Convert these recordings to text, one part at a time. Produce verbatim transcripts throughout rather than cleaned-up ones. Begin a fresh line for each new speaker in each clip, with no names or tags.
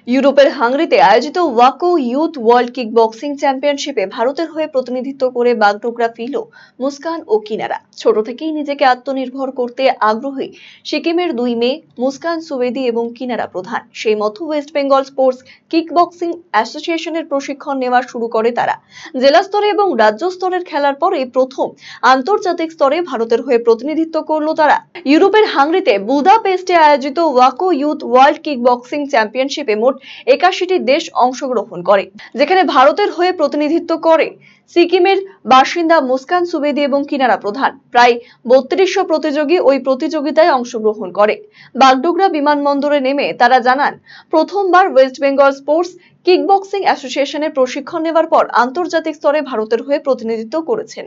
ইউরোপের হাঙ্গরিতে আয়োজিত ওয়াকো ইউথ ওয়ার্ল্ড কিক বক্সিং চ্যাম্পিয়নশিপে ভারতের হয়ে প্রতিনিধিত্ব করে বাগডোগরা ফিরল মুস্কান ও কিনারা। ছোট থেকেই নিজেকে আত্মনির্ভর করতে আগ্রহী সিকিমের দুই মেয়ে মুস্কান সুবেদী এবং কিনারা প্রধান। সেই মতো West Bengal sports kick boxing অ্যাসোসিয়েশনের প্রশিক্ষণ নেওয়া শুরু করে তারা। জেলা স্তরে এবং রাজ্য স্তরের খেলার পর এই প্রথম আন্তর্জাতিক স্তরে ভারতের হয়ে প্রতিনিধিত্ব করলো তারা। ইউরোপের হাঙ্গরিতে বুদাপেস্টে আয়োজিত ওয়াকো ইউথ ওয়ার্ল্ড কিক বক্সিং চ্যাম্পিয়নশিপে মোট একাশিটি দেশ অংশগ্রহণ করে, যেখানে ভারতের হয়ে প্রতিনিধিত্ব করে সিকিমের বাসিন্দা মুস্কান সুবেদী এবং কিনারা প্রধান। প্রায় বত্রিশশো প্রতিযোগী ওই প্রতিযোগিতায় অংশগ্রহণ করে। বাগডোগরা বিমানবন্দরে নেমে তারা জানান, প্রথমবার ওয়েস্ট বেঙ্গল স্পোর্টস কিকবক্সিং অ্যাসোসিয়েশনের প্রশিক্ষণ নেওয়ার পর আন্তর্জাতিক স্তরে ভারতের হয়ে প্রতিনিধিত্ব করেছেন।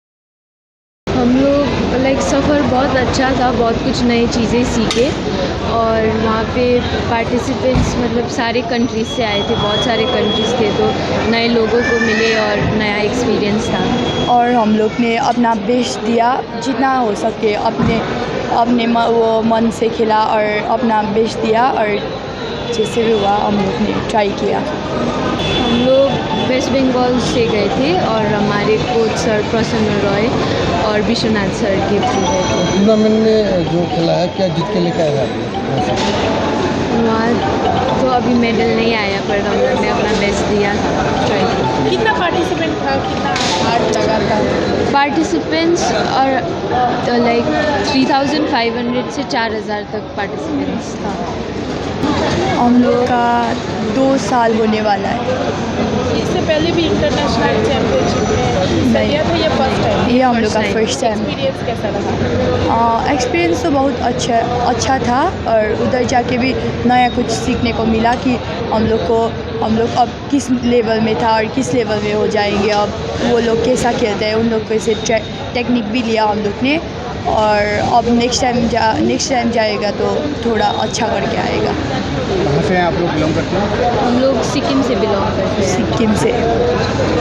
हम लोग लाइक सफ़र बहुत अच्छा था, बहुत कुछ नई चीज़ें सीखे और वहाँ पे पार्टिसिपेंट्स मतलब सारे कंट्रीज़ से आए थे, बहुत सारे कंट्रीज़ थे, तो नए लोगों को मिले और नया एक्सपीरियंस था।
और हम लोग ने अपना बेस्ट दिया, जितना हो सके अपने अपने वो मन से खेला और अपना बेस्ट दिया और जैसे भी हुआ हम लोग ने ट्राई किया।
हम लोग वेस्ट बंगाल से गए थे और हमारे कोच सर प्रसन्न रॉय और विश्वनाथ सर के थ्रू गए थे।
टूर्नामेंट में जो खेला है क्या जीत के लेकर आया?
वहाँ तो अभी मेडल नहीं आया, पर हम लोग ने अपना बेस्ट दिया था, ट्राई किया।
कितना पार्टिसिपेंट था, कितना हार्ड लगा था?
पार्टिसिपेंट्स और like three thousand five hundred से चार हज़ार तक पार्टिसिपेंट्स था।
हम लोग का दो साल होने वाला है।
इससे पहले भी इंटरनेशनल चैंपियनशिप में हिस्सा लिया था, ये फर्स्ट टाइम?
ये हम लोग का फर्स्ट टाइम।
एक्सपीरियंस कैसा रहा?
एक्सपीरियंस तो बहुत अच्छा अच्छा था और उधर जाके भी नया कुछ सीखने को मिला कि हम लोग को हम लोग अब किस लेवल में था और किस लेवल में हो जाएंगे, अब वो लोग कैसा खेलते हैं, उन लोग कैसे टेक्निक भी लिया हम लोग ने। और अब नेक्स्ट टाइम जा नेक्स्ट टाइम जाएगा तो थोड़ा अच्छा करके आएगा।
कहाँ से आप लोग बिलोंग करते हैं?
हम लोग सिक्किम से बिलोंग करते हैं।
सिक्किम से।